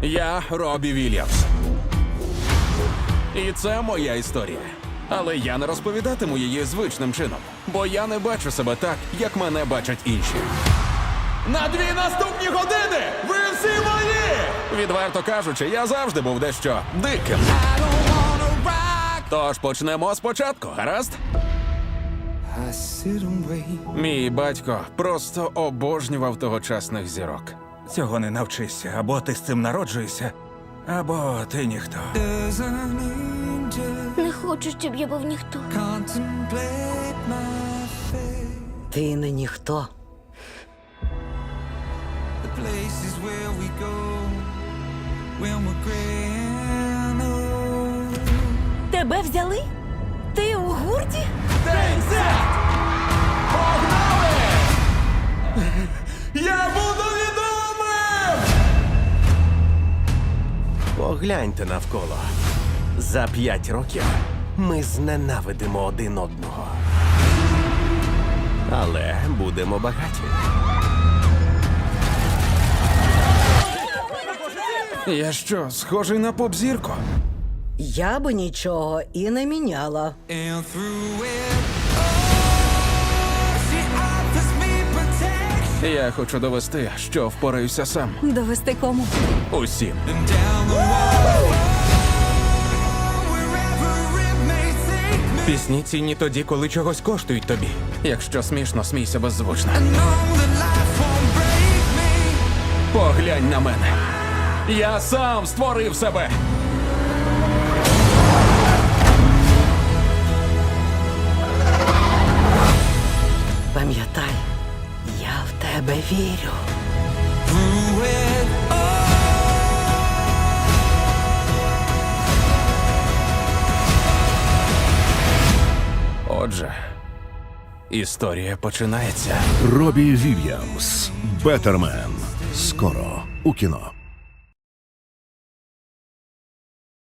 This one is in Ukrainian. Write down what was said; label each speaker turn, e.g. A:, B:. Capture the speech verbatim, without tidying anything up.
A: Я Робі Вільямс. І це моя історія. Але я не розповідатиму її звичним чином, бо я не бачу себе так, як мене бачать інші. На дві наступні години ви всі мої! Відверто кажучи, я завжди був дещо диким. Тож почнемо спочатку, гаразд? Мій батько просто обожнював тогочасних зірок.
B: Цього не навчишся. Або ти з цим народжуєшся, або ти ніхто.
C: Не хочу, щоб я був ніхто.
D: Ти не ніхто.
C: Тебе взяли? Ти у гурті?
A: Погнали! Я буду відомим!
E: Погляньте навколо. За п'ять років ми зненавидимо один одного. Але будемо багаті.
A: Я що, схожий на поп-зірку?
D: Я би нічого і не міняла.
A: Я хочу довести, що впораюся сам.
C: Довести кому?
A: Усім.
B: Пісні цінні тоді, коли чогось коштують тобі.
A: Якщо смішно, смійся беззвучно. Поглянь на мене. Я сам створив себе.
D: Пам'ятай, я в тебе вірю.
A: Отже, історія починається.
F: Робі Вільямс. Беттермен. Скоро у кіно.